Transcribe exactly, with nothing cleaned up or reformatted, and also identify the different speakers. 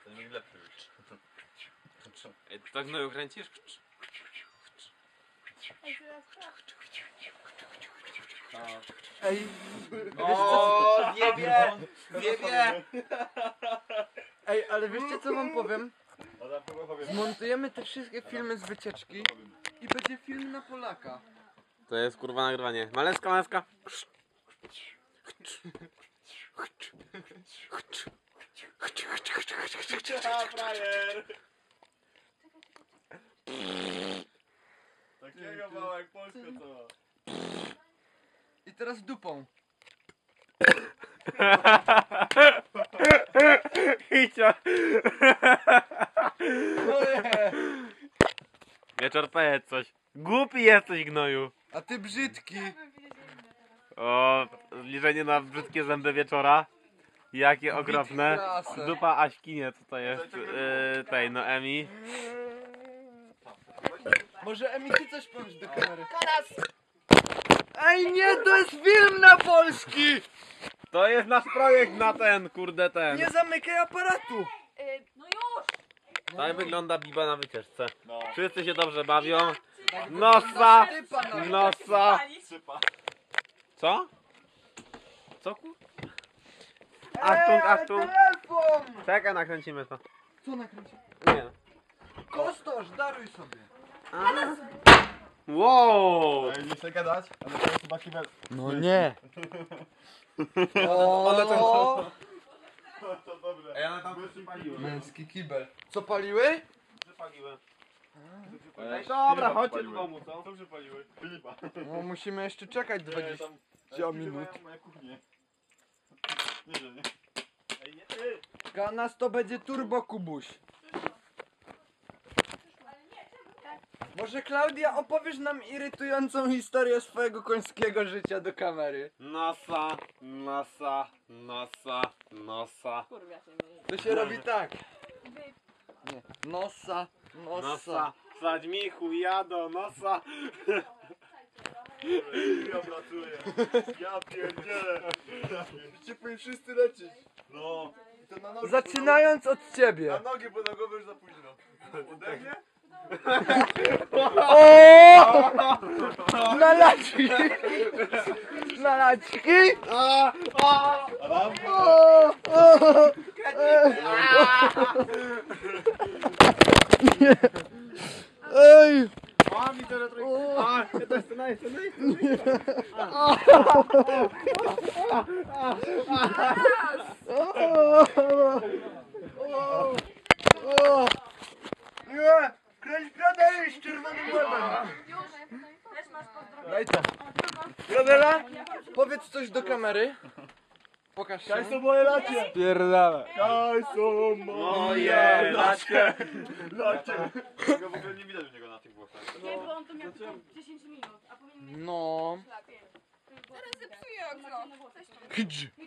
Speaker 1: Ten mi lepszy już.
Speaker 2: Ej, ty tak znowu kręcisz?
Speaker 3: Ej,
Speaker 1: O, wiebie! Wiebie!
Speaker 3: ej, ale wiecie co wam powiem? Zmontujemy te wszystkie filmy z wycieczki i będzie film na Polaka.
Speaker 2: To jest kurwa nagrywanie. Maleska, maleska.
Speaker 1: A, frajer! Takiego mała jak Polska to.
Speaker 3: I teraz dupą.
Speaker 2: Hicia.
Speaker 3: No nie.
Speaker 2: Wieczór powiedz coś. Głupi jesteś, gnoju.
Speaker 3: A ty brzydki.
Speaker 2: O, zbliżenie na brzydkie zęby wieczora. Jakie okropne.
Speaker 3: klasę.
Speaker 2: Dupa Aśki, nie, co to jest? Yy, tej, no Emi.
Speaker 3: Może Emi, ty coś powiesz do kamery? Ej, nie, to jest film na Polski!
Speaker 2: To jest nasz projekt na ten, kurde ten.
Speaker 3: Nie zamykaj aparatu!
Speaker 4: No już!
Speaker 2: Tak wygląda Biba na wycieczce.
Speaker 1: No.
Speaker 2: Wszyscy się dobrze bawią. Nosa!
Speaker 3: Typa na...
Speaker 2: Nosa!
Speaker 1: Sypa.
Speaker 2: Co? Co ku? Achtung,
Speaker 3: ale
Speaker 2: achtung.
Speaker 3: telefon!
Speaker 2: Czekaj, nakręcimy to.
Speaker 3: Co nakręcił?
Speaker 2: Nie.
Speaker 3: Kostosz, daruj sobie.
Speaker 2: Wow!
Speaker 1: Ej, nie chcę gadać, ale to jest chyba kibel.
Speaker 3: No nie.
Speaker 1: Ale
Speaker 3: O,
Speaker 1: To dobre.
Speaker 2: Ej, ale tam przypaliłem.
Speaker 3: męski kibel. Co paliły?
Speaker 2: Przypaliłem.
Speaker 1: Ej,
Speaker 2: Dobra,
Speaker 1: Filipa
Speaker 2: chodźcie do
Speaker 1: przypaliły.
Speaker 2: domu, co?
Speaker 1: Co przypaliły? Filipa.
Speaker 3: No musimy jeszcze czekać dwadzieścia minut.
Speaker 1: Moja kuchnię. Nie, że nie. Ej, nie ty!
Speaker 3: Nas to będzie turbo kubuś. Może Klaudia opowiesz nam irytującą historię swojego końskiego życia do kamery.
Speaker 2: Nosa, nosa, nosa, nosa.
Speaker 4: Kurwa się nie.
Speaker 3: To się robi tak. Nie. Nosa, nosa.
Speaker 2: Nosa. Sadź mi chuja do nosa.
Speaker 1: Ja pracuję. Ja pierdzielę.
Speaker 3: Cię powinni wszyscy lecieć.
Speaker 1: No. I to na nogi,
Speaker 3: Zaczynając od
Speaker 1: Na
Speaker 3: ciebie.
Speaker 1: nogi, bo na głowę już za późno. Udechnie?
Speaker 3: O! Na laczki! Na laczki!
Speaker 2: A, a,
Speaker 1: Adam?
Speaker 3: O! O! Nie. Ej!
Speaker 2: a, mi to retro... A, to jest to nice, to
Speaker 3: O! O! Nie! Kręć gradery z czerwonym łebem!
Speaker 4: Już! Też masz pozdrowienia.
Speaker 3: Daj to. Gradela, powiedz coś do kamery. Pokaż się.
Speaker 1: Kaj są moje lacie!
Speaker 3: Pierdala.
Speaker 1: Kaj są
Speaker 2: Moje lacie.
Speaker 1: lacie! Tego w ogóle nie widać u niego na tych włosach.
Speaker 4: Nie, bo on tu miał tylko dziesięć minut, a powinien mieć
Speaker 3: No.
Speaker 4: lepiej.
Speaker 5: Zaraz zepsuję okno.
Speaker 3: Hydź.